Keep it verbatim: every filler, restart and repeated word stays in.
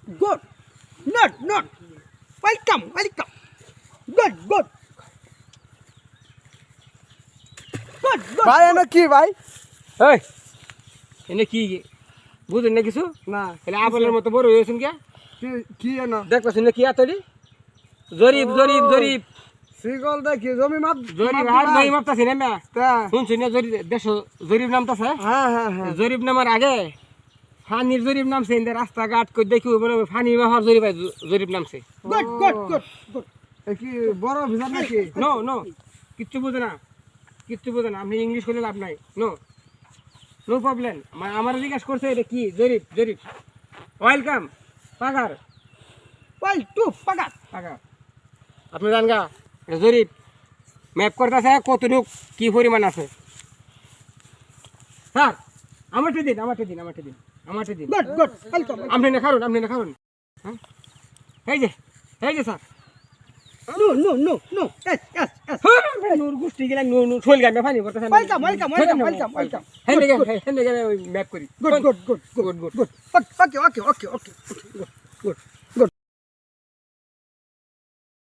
Good. Not, not. Welcome, welcome. Good, good. Good, good. ভাই এনে কি ভাই? এই এনে কি বুঝুন না কিছু না তাহলে আপেলের মতো বড় হয়েছেন কে কি কি এনে? দেখতেছেন না কি এতটি জরিপ জরিপ জরিপ সিগল দেখি জমি মাপ জরিপ আর জরিপ মাপতাছি না মা তা শুনছি না জরিপ দেশ জরিপ নামতাছে হ্যাঁ হ্যাঁ হ্যাঁ জরিপ নামার আগে ফানির জরিপ নামছে ইন্দে রাস্তাঘাট কই দেখি মনে হয় ফানি মাহার জরিপ জরিপ নামছে Good, good, good, good. এ কি বড় ভিতর নাকি? নো নো কিচ্ছু বুঝে না কিচ্ছু বুঝে না আপনি ইংলিশ করলে লাভ নাই নো নো প্রবলেম আমার জিজ্ঞাসা করছে এটা কি জরিপ জরিপ ওয়েলকাম পাগার Well, two, pagat. পাগার আপনি জান গা এটা জরিপ ম্যাপ করতেছে কতটুক কি পরিমাণ আছে স্যার আমারটা দিন আমারটা দিন আমারটা দিন আমারটা দিন Good, good. Welcome. আপনি না খারুন আপনি না খারুন হ্যাঁ এই যে এই যে sir No, no, no, no. Yes, yes, yes. Noor গোষ্ঠী গেলে নূর নূর শোল গান ফানি করতেছে Welcome, welcome, welcome, welcome, welcome. হ্যাঁ দেখে হ্যাঁ দেখে ম্যাপ করি Good, good, good, good, Good, good. good. Okay, okay, okay, okay, okay. Good, good.